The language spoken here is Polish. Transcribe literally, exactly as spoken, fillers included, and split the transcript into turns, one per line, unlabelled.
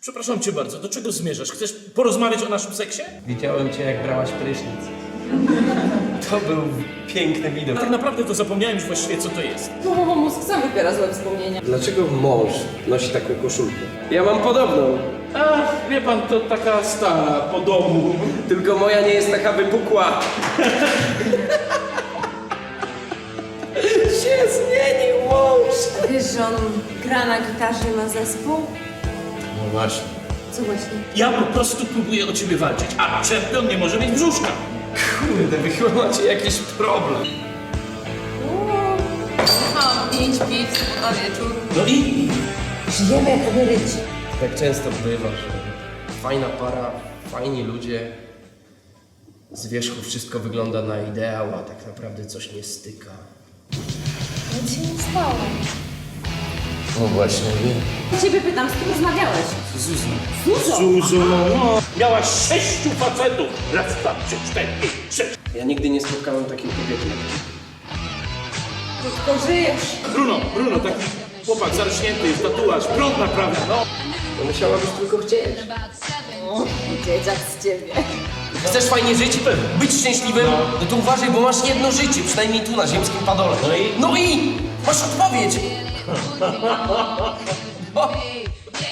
Przepraszam cię bardzo, do czego zmierzasz? Chcesz porozmawiać o naszym seksie?
Widziałem cię, jak brałaś prysznic. To był piękny widok.
Tak naprawdę to zapomniałem już właściwie, co to jest.
No, bo mózg sam wybiera złe wspomnienia.
Dlaczego mąż nosi taką koszulkę? Ja mam podobną,
Ach, wie pan, to taka stara, po domu.
tylko moja nie jest taka wypukła. się zmienił mąż.
Wiesz, że on gra na gitarze i ma zespół?
No właśnie.
Co właśnie?
Ja po prostu próbuję o ciebie walczyć, a czempion nie może mieć brzuszka.
Kurde, wy chyba macie jakiś problem.
Mam pięć piw na wieczór.
No i?
Żyjemy jak emeryci.
Tak często bywa, że fajna para, fajni ludzie, z wierzchu wszystko wygląda na ideał, a tak naprawdę coś nie styka.
Nic się nie stało.
No właśnie, nie.
Ciebie pytam, z kim rozmawiałeś?
Zuzu.
Zuzo!
Zuzu, no. Miałaś sześciu facetów. Raz, dwa, trzy, cztery, pięć, sześć.
Ja nigdy nie spotkałem takiej kobiety jak ty.
Krótko żyjesz.
Bruno, Bruno, taki chłopak zarośnięty, jest tatuaż, prąd naprawia, no.
To musiałabyś tylko chcieć.
O, dzieciak z ciebie.
Chcesz fajnie żyć? Być szczęśliwym? No to uważaj, bo masz jedno życie, przynajmniej tu na ziemskim padole.
No i?
No i! Masz odpowiedź!